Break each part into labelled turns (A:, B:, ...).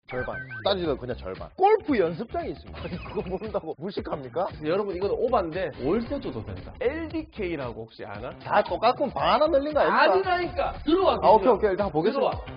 A: 절반. 따지면 그냥 절반. 골프 연습장이 있습니다. 아니, 그거 모른다고 무식합니까?
B: 여러분 이건 오바인데 월세 줘도 된다. LDK라고 혹시 아나?
A: 다 똑같고 방 하나 늘린 거 아닙니까?
B: 아니라니까. 들어와.
A: 아, 오케이, 오케이. 일단 보겠습니다.
B: 들어와.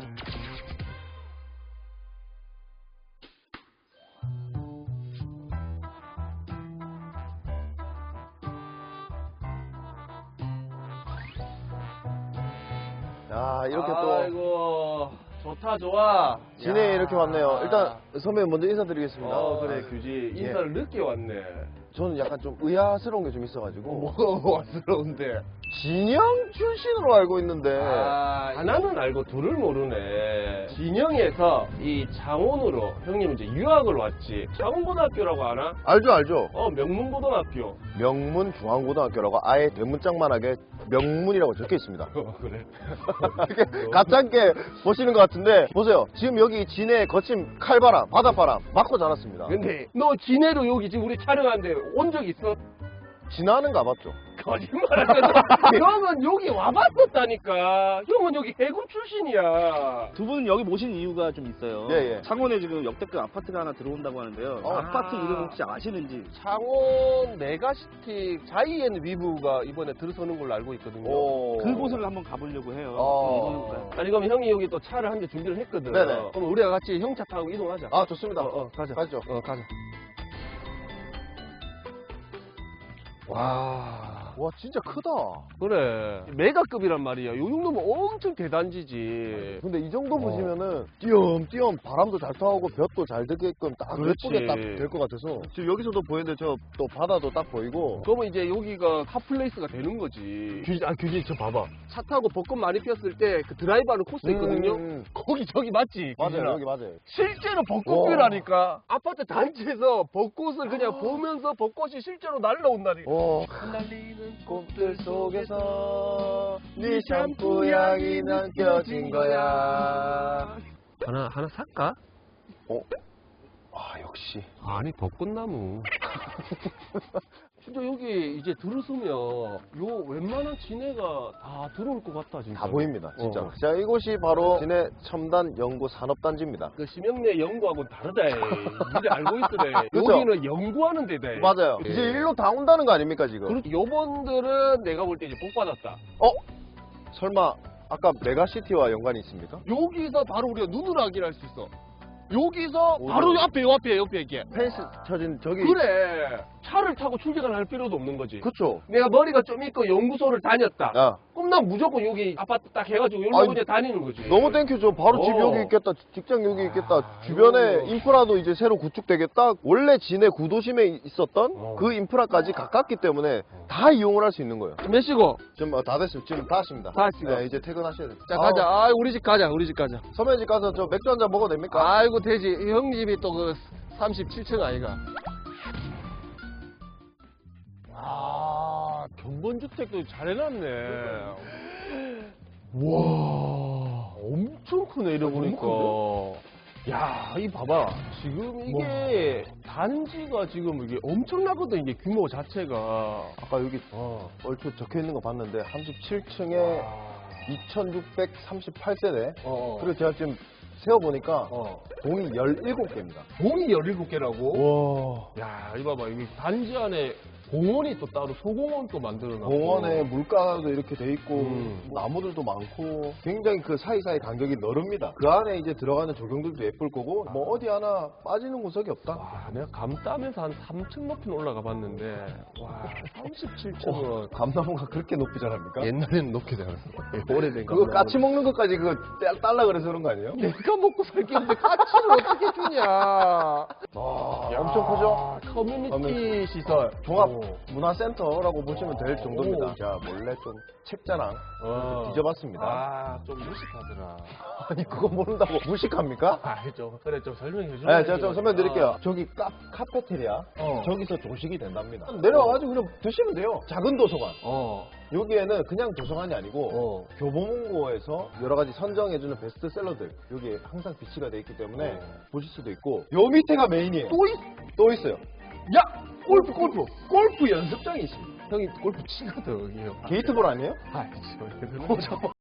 A: 야, 이렇게 또
B: 아이고 좋다 좋아.
A: 진해
B: 야.
A: 이렇게 왔네요. 일단 선배님 먼저 인사드리겠습니다.
B: 그래 규지 인사를 늦게 왔네.
A: 저는 약간 좀 의아스러운 게 좀 있어가지고
B: 뭐가 와스러운데.
A: 진영 출신으로 알고 있는데
B: 하나는 알고 둘을 모르네. 진영에서 이 창원으로 형님 이제 유학을 왔지. 창원고등학교라고 아나?
A: 알죠.
B: 명문고등학교.
A: 명문 중앙고등학교라고 아예 대문짝만하게 명문이라고 적혀 있습니다.
B: 그래.
A: 이렇게 가짜게 보시는 것 같은데 보세요. 지금 여기 진해 거친 칼바람, 바닷바람 맞고 자랐습니다.
B: 근데 너 진해로 여기 지금 우리 촬영하는데 온 적 있어?
A: 진화는 가봤죠.
B: 거짓말하잖아. 형은 여기 와봤었다니까. 형은 여기 해군 출신이야.
C: 두 분은 여기 모신 이유가 좀 있어요.
A: 예.
C: 창원에 지금 역대급 아파트가 하나 들어온다고 하는데요. 아파트 이름 혹시 아시는지?
B: 창원 메가시티 자이앤 위브가 이번에 들어서는 걸로 알고 있거든요.
C: 그곳을 한번 가보려고 해요. 이거니까요.
B: 아니 그럼 형이 여기 또 차를 한 대 준비를 했거든.
A: 네네.
B: 그럼 우리가 같이 형 차 타고 이동하자.
A: 아, 좋습니다.
B: 가자.
A: 가죠.
B: 가자.
A: 와, 진짜 크다.
B: 그래. 메가급이란 말이야. 요 정도면 엄청 대단지지.
A: 근데 이 정도 보시면은 띄엄띄엄 바람도 잘 타고 볕도 잘 들게끔 딱
B: 그렇지.
A: 예쁘게 딱 될 것 같아서 지금 여기서도 보이는데 저 또 바다도 딱 보이고
B: 그러면 이제 여기가 핫플레이스가 되는 거지. 규진 저 봐봐. 차 타고 벚꽃 많이 피었을 때 그 드라이브하는 코스 있거든요. 거기 저기 맞지?
A: 맞아요.
B: 규진아?
A: 여기 맞아요.
B: 실제로 벚꽃이라니까. 아파트 단지에서 벚꽃을 그냥 보면서 벚꽃이 실제로 날라온다니까.
A: 흩날리는 꽃들 속에서 네 샴푸 향이 남겨진 거야.
B: 하나 살까?
A: 아, 역시.
B: 아니 벚꽃나무. 진짜 여기 이제 들어서면 요 웬만한 진해가 다 들어올 것 같다 진짜.
A: 다 보입니다, 진짜. 자, 이곳이 바로 진해 첨단 연구 산업단지입니다.
B: 그 심형래 연구하고는 다르다. 이제 알고 있으래.
A: 그쵸?
B: 여기는 연구하는 데다.
A: 맞아요.
B: 예.
A: 이제 일로 다 온다는 거 아닙니까, 지금?
B: 그렇지. 요번들은 내가 볼 때 이제 복 받았다.
A: 설마 아까 메가시티와 연관이 있습니까?
B: 여기서 바로 우리가 눈으로 확인할 수 있어. 여기서
A: 어디요?
B: 바로 옆에 이게.
A: 펜스 쳐진 저기.
B: 그래. 차를 타고 출퇴근을 할 필요도 없는 거지.
A: 그쵸.
B: 내가 머리가 좀 있고 연구소를 다녔다.
A: 야,
B: 그럼 난 무조건 여기 아파트 딱 해가지고 여기로
A: 아니,
B: 그냥 다니는 거지.
A: 너무 땡큐죠. 바로 집 여기 있겠다. 직장 여기 있겠다. 주변에 인프라도 이제 새로 구축되겠다. 원래 진해 구도심에 있었던 그 인프라까지 가깝기 때문에 다 이용을 할 수 있는 거예요.
B: 몇 시고?
A: 지금 다 됐어요. 지금 다 왔습니다.
B: 다 왔습니다.
A: 네, 이제 퇴근하셔야 돼요.
B: 자, 가자. 우리 집 가자.
A: 선배 집 가서 저 맥주 한잔 먹어도 됩니까?
B: 아이고, 되지. 형 집이 또 그 37층 아이가. 경번주택도 잘 해놨네. 와, 엄청 크네, 이래 보니까. 야, 이 봐봐. 지금 이게 단지가 지금 이게 엄청나거든, 이게 규모 자체가.
A: 아까 여기 얼추 적혀 있는 거 봤는데 37층에 2638세대. 그리고 제가 지금 세어보니까 동이 17개입니다.
B: 동이 17개라고?
A: 와.
B: 야, 이 봐봐. 여기 단지 안에 공원이 또 따로 소공원 또 만들어놨고.
A: 공원에 물가도 이렇게 돼 있고 나무들도 많고 굉장히 그 사이사이 간격이 넓습니다. 그 안에 이제 들어가는 조경들도 예쁠 거고 뭐 어디 하나 빠지는 구석이 없다.
B: 와, 내가 감 따면서 한 3층 높이는 올라가 봤는데 와, 37층은
A: 감나무가 그렇게 높이 자랍니까?
B: 옛날에는 높게 자랐어. 오래된
A: 그거
B: 감나무는.
A: 까치 먹는 것까지 그거 딸라 그래서 그런 거 아니에요?
B: 내가 먹고 살겠는데 까치를 어떻게 주냐.
A: 아, 엄청 크죠?
B: 커뮤니티 시설.
A: 종합 문화센터라고 보시면 될 정도입니다. 자, 몰래 좀 책자랑 뒤져봤습니다.
B: 아, 좀 무식하더라.
A: 아니, 그거 모른다고 무식합니까?
B: 그래, 좀 설명해 줘.
A: 네, 제가 좀 설명드릴게요. 저기 카페테리아, 저기서 조식이 된답니다. 내려와가지고 그냥 드시면 돼요. 작은 도서관. 여기에는 그냥 도서관이 아니고 교보문고에서 여러 가지 선정해주는 베스트셀러들 여기에 항상 비치가 돼 있기 때문에 보실 수도 있고 요 밑에가 메인이에요. 또 있어요.
B: 야! 골프 연습장이 있습니다. 형이 골프 치거든, 여기요.
A: 게이트볼 아니에요?
B: 아이씨,